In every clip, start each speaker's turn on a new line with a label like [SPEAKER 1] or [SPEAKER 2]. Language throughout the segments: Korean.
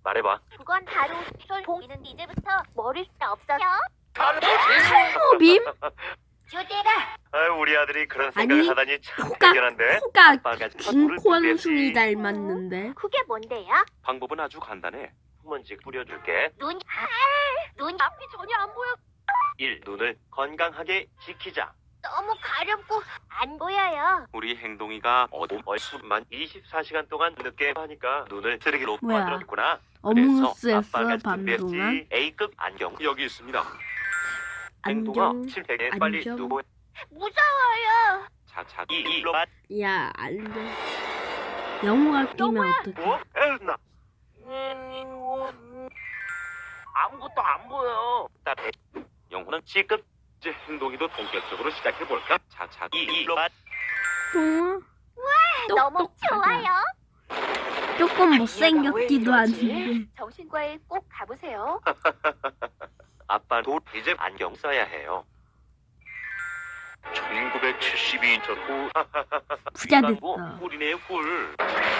[SPEAKER 1] 말해봐.
[SPEAKER 2] 그건 바로 봉이는 이제부터 머릴 수 없어요.
[SPEAKER 3] 탈모빔?
[SPEAKER 2] 주대라.
[SPEAKER 1] 우리 아들이 그런
[SPEAKER 3] 아니,
[SPEAKER 1] 생각을 하다니 참
[SPEAKER 3] 코가
[SPEAKER 1] 대견한데.
[SPEAKER 3] 코가
[SPEAKER 1] 아빠가
[SPEAKER 3] 김권순이 닮았는데.
[SPEAKER 2] 그게 뭔데요?
[SPEAKER 1] 방법은 아주 간단해. 흙먼지 뿌려줄게.
[SPEAKER 2] 눈 앞이 전혀 안 보여.
[SPEAKER 1] 1. 눈을 건강하게 지키자.
[SPEAKER 2] 너무 가렵고 안 보여요.
[SPEAKER 1] 우리 행동이가 얼수만 24시간 동안 늦게 하니까 눈을 쓰레기로
[SPEAKER 3] 뭐야?
[SPEAKER 1] 만들었구나.
[SPEAKER 3] 어몽어스에서
[SPEAKER 1] 아빠가
[SPEAKER 3] 밤 동안
[SPEAKER 1] 준비했지. A급 안경 여기 있습니다. 행동아,
[SPEAKER 3] 안경
[SPEAKER 1] 실패에 빨리
[SPEAKER 3] 안경.
[SPEAKER 1] 두고.
[SPEAKER 2] 무서워요.
[SPEAKER 1] 자자 이로
[SPEAKER 3] 야 안돼. 영어가 끼면 어떡해?
[SPEAKER 1] 에나. 아무것도 안 보여. 영호는 C급. 이제 행동이도 본격적으로 시작해 볼까? 자자 이로
[SPEAKER 3] 동아?
[SPEAKER 2] 너무 좋아요.
[SPEAKER 3] 조금 못생겼기도 한데.
[SPEAKER 2] 정신과에 꼭 가보세요.
[SPEAKER 1] 아빠도 이제 안경 써야 해요. 1972년 후
[SPEAKER 3] 부자
[SPEAKER 1] 이거
[SPEAKER 3] 됐다.
[SPEAKER 1] 꿀이네요 꿀.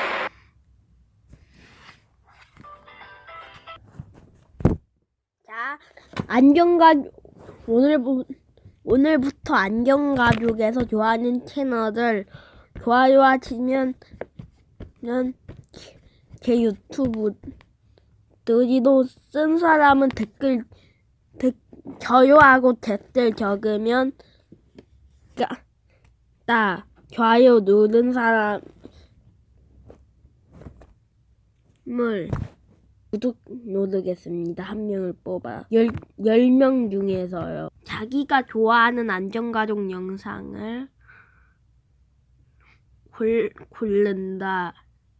[SPEAKER 3] 자, 오늘부터 안경가족에서 좋아하는 채널들 좋아요하시면 제 유튜브 느리도 쓴 사람은 저요하고 댓글 적으면 좋아요 누른 사람을 구독 누르겠습니다. 한 명을 뽑아 10명 중에서요. 자기가 좋아하는 안전가족 영상을 고른다.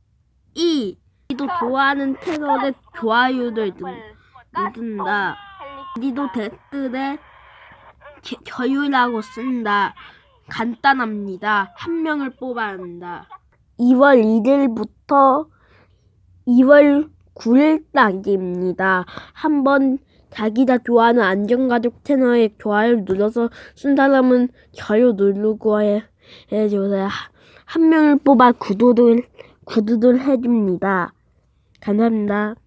[SPEAKER 3] 또 좋아하는 채널에 좋아요를 누른다. 우리도 댓글에 저요라고 쓴다. 간단합니다. 한 명을 뽑아야 한다. 2월 1일부터 2월 9일까지입니다. 한번 자기가 좋아하는 안전가족 채널에 좋아요를 눌러서 쓴 사람은 저요 누르고 해주세요. 한 명을 뽑아 구독을 해줍니다. 감사합니다.